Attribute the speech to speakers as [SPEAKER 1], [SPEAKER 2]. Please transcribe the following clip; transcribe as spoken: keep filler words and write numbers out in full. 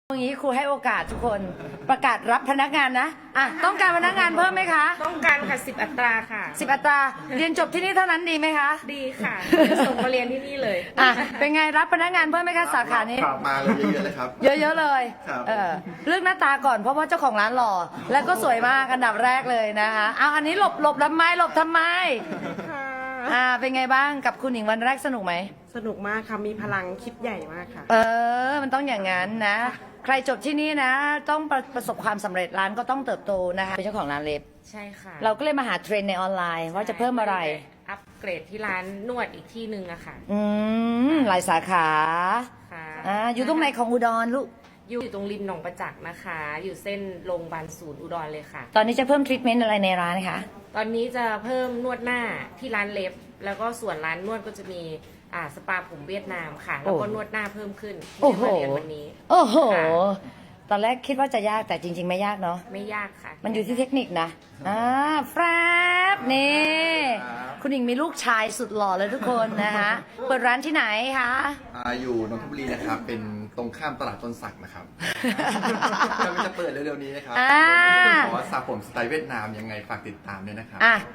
[SPEAKER 1] อย่างนี้ครูให้โอกาสทุกคนประกาศรับพนักงานนะอ่ะต้องการพนักงานเพิ่มไหมคะ
[SPEAKER 2] ต้องการค่ะสิบอัตราค่ะ
[SPEAKER 1] สิบอัตราเรียนจบที่นี่เท่านั้นดีไหมคะ
[SPEAKER 2] ดีค่ะจะส่งมาเรียนที่นี่เลย
[SPEAKER 1] อ่ะเป็นไงรับพนักงานเพิ่มไหมคะสาขานี้
[SPEAKER 3] ครับมาเลยเยอะๆเลยครับ
[SPEAKER 1] เยอะๆเลย
[SPEAKER 3] ครับ
[SPEAKER 1] เออเลือกหน้าตาก่อนเพราะว่าเจ้าของร้านหล่อแล้วก็สวยมากอันดับแรกเลยนะคะเอาอันนี้หลบหลบทำไมหลบทำไม
[SPEAKER 2] ค่ะ
[SPEAKER 1] อ่าเป็นไงบ้างกับคุณหญิงวันแรกสนุกไหม
[SPEAKER 2] สนุกมากค่ะ มีพลังคิดใหญ่มากค่ะ
[SPEAKER 1] เออ มันต้องอย่างนั้นนะ ใครจบที่นี่นะ ต้องประประสบความสำเร็จร้านก็ต้องเติบโตนะคะเป็นเจ้าของร้านเล็บ
[SPEAKER 2] ใช่ค่ะ
[SPEAKER 1] เราก็เลยมาหาเทรนด์ในออนไลน์ว่าจะเพิ่มอะไร
[SPEAKER 2] อัปเกรดที่ร้านนวดอีกที่หนึ่งอะค่ะ
[SPEAKER 1] อืมหลายสาขา
[SPEAKER 2] ค่ะ
[SPEAKER 1] อ่าอยู่ตรงไหนของอุดรลูก
[SPEAKER 2] อยู่ตรงริมหนองประจักษ์นะคะ อยู่เส้นโรงพยาบาลศูนย์อุดรเลยค่ะ
[SPEAKER 1] ตอนนี้จะเพิ่มทรีทเมนต์อะไรในร้านคะ
[SPEAKER 2] ตอนนี้จะเพิ่มนวดหน้าที่ร้านเล็บ แล้วก็ส่วนร้านนวดก็จะมีอ่าสปาผมเวียดนามค่ะ แล้วก็นวดหน้าเพิ่มขึ้นที่
[SPEAKER 1] โอ้
[SPEAKER 2] จะ
[SPEAKER 1] โห
[SPEAKER 2] มาเรียนวันนี้
[SPEAKER 1] โอ้โห
[SPEAKER 2] ค่ะ
[SPEAKER 1] ตอนแรกคิดว่าจะยากแต่จริง ๆ ไม่ยากเนาะ
[SPEAKER 2] ไม่ยากค่ะ
[SPEAKER 1] มันอยู่ที่เทคนิคนะ อ่าแฟบนี่ คุณหญิงมีลูกชายสุดหล่อเลยทุกคนนะคะเปิดร้านที่ไหนคะ
[SPEAKER 3] อ่าอยู่นนทบุรีนะครับ เป็นตรงข้ามตลาดต้นสักนะครับกำลังจะเปิดเร็วๆนี้นะครับ
[SPEAKER 1] อ่า
[SPEAKER 3] ขอสระผมสไตล์เวียดนามยังไงฝากติดตามด้วยนะครับ
[SPEAKER 1] อ่ะ